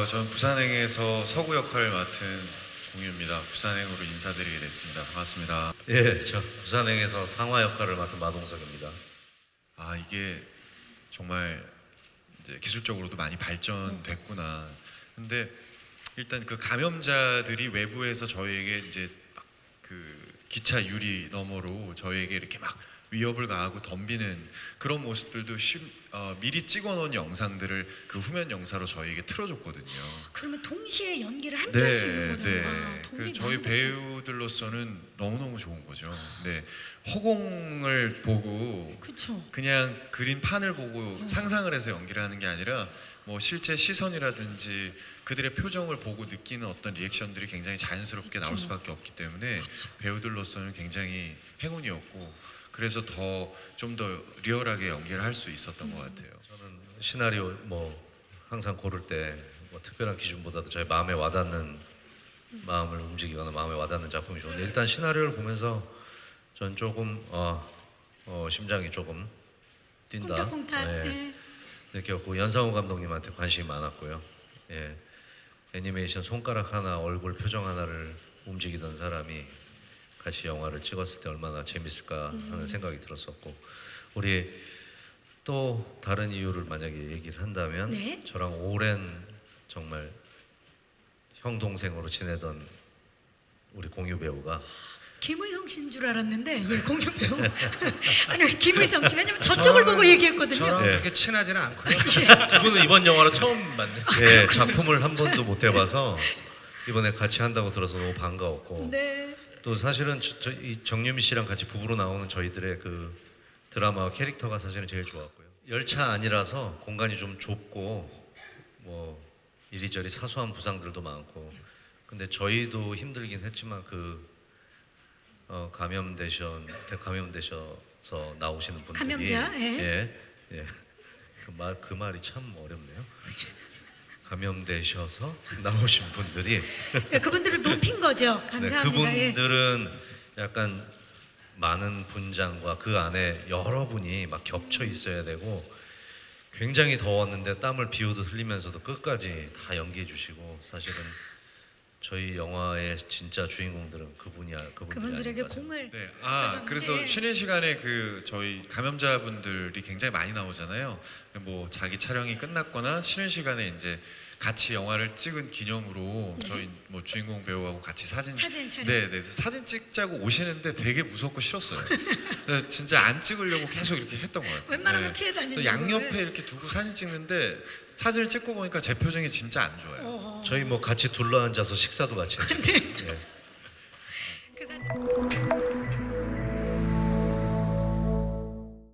저는 부산행에서 서구 역할을 맡은 공유입니다. 부산행으로 인사드리게 됐습니다. 반갑습니다. 예, 저 부산행에서 상화 역할을 맡은 마동석입니다. 이게 정말 이제 기술적으로도 많이 발전됐구나. 근데 일단 그 감염자들이 외부에서 저희에게 이제 막 그 기차 유리 너머로 저희에게 이렇게 막 위협을 가하고 덤비는 그런 모습들도 미리 찍어놓은 영상들을 그 후면 영사로 저희에게 틀어줬거든요. 그러면 동시에 연기를 함께 할 수 있는 거잖아요. 네. 도움이 저희 많이 배우들로서는 너무너무 좋은 거죠. 네. 허공을 보고 그렇죠. 그냥 그린 판을 보고 상상을 해서 연기를 하는 게 아니라 뭐 실제 시선이라든지 그들의 표정을 보고 느끼는 어떤 리액션들이 굉장히 자연스럽게 나올 수밖에 없기 때문에 배우들로서는 굉장히 행운이었고 그래서 좀 더 리얼하게 연기를 할 수 있었던 것 같아요. 저는 시나리오 항상 고를 때 특별한 기준보다도 저희 마음에 와닿는 마음을 움직이거나 마음에 와닿는 작품이 좋은데 일단 시나리오를 보면서 전 조금 심장이 조금 뛴다. 콩닥콩닥. 네. 느꼈고 연상호 감독님한테 관심이 많았고요. 예. 애니메이션 손가락 하나, 얼굴 표정 하나를 움직이던 사람이 같이 영화를 찍었을 때 얼마나 재밌을까 하는 생각이 들었었고 우리 또 다른 이유를 만약에 얘기를 한다면 네. 저랑 오랜 정말 형 동생으로 지내던 우리 공유 배우가 김의성 씨인 줄 알았는데 공유 배우. 아니 김의성 씨 왜냐면 저쪽을 보고 얘기했거든요. 저랑 네. 그렇게 친하지는 않고요. 두 분은 이번 영화로 처음 만나요. 예, 작품을 한 번도 못 해봐서 이번에 같이 한다고 들어서 너무 반가웠고 네. 또 사실은 이 정유미 씨랑 같이 부부로 나오는 저희들의 그 드라마 캐릭터가 사실은 제일 좋았고요. 열차 안이라서 공간이 좀 좁고 뭐 이리저리 사소한 부상들도 많고 근데 저희도 힘들긴 했지만 감염되셔서 나오시는 분들이 감염자, 예. 예. 그 말이 참 어렵네요. 감염되셔서 나오신 분들이 그분들을 높인 거죠. 네, 감사합니다. 예. 그분들은 약간 많은 분장과 그 안에 여러 분이 막 겹쳐 있어야 되고 굉장히 더웠는데 땀을 비오듯 흘리면서도 끝까지 다 연기해 주시고 사실은 저희 영화의 진짜 주인공들은 그분들에게 아닌가 공을 네. 가졌는데. 그래서 쉬는 시간에 저희 감염자분들이 굉장히 많이 나오잖아요. 뭐 자기 촬영이 끝났거나 쉬는 시간에 이제 같이 영화를 찍은 기념으로 저희 뭐 주인공 배우하고 같이 사진 촬영. 네, 그래서 사진 찍자고 오시는데 되게 무섭고 싫었어요. 그래서 진짜 안 찍으려고 계속 이렇게 했던 것 같아요. 웬만하면 피해 다니는 또 양옆에 이렇게 두고 사진 찍는데 사진을 찍고 보니까 제 표정이 진짜 안 좋아요. 저희 뭐 같이 둘러앉아서 식사도 같이 했어요. 네. 예. 그 사진.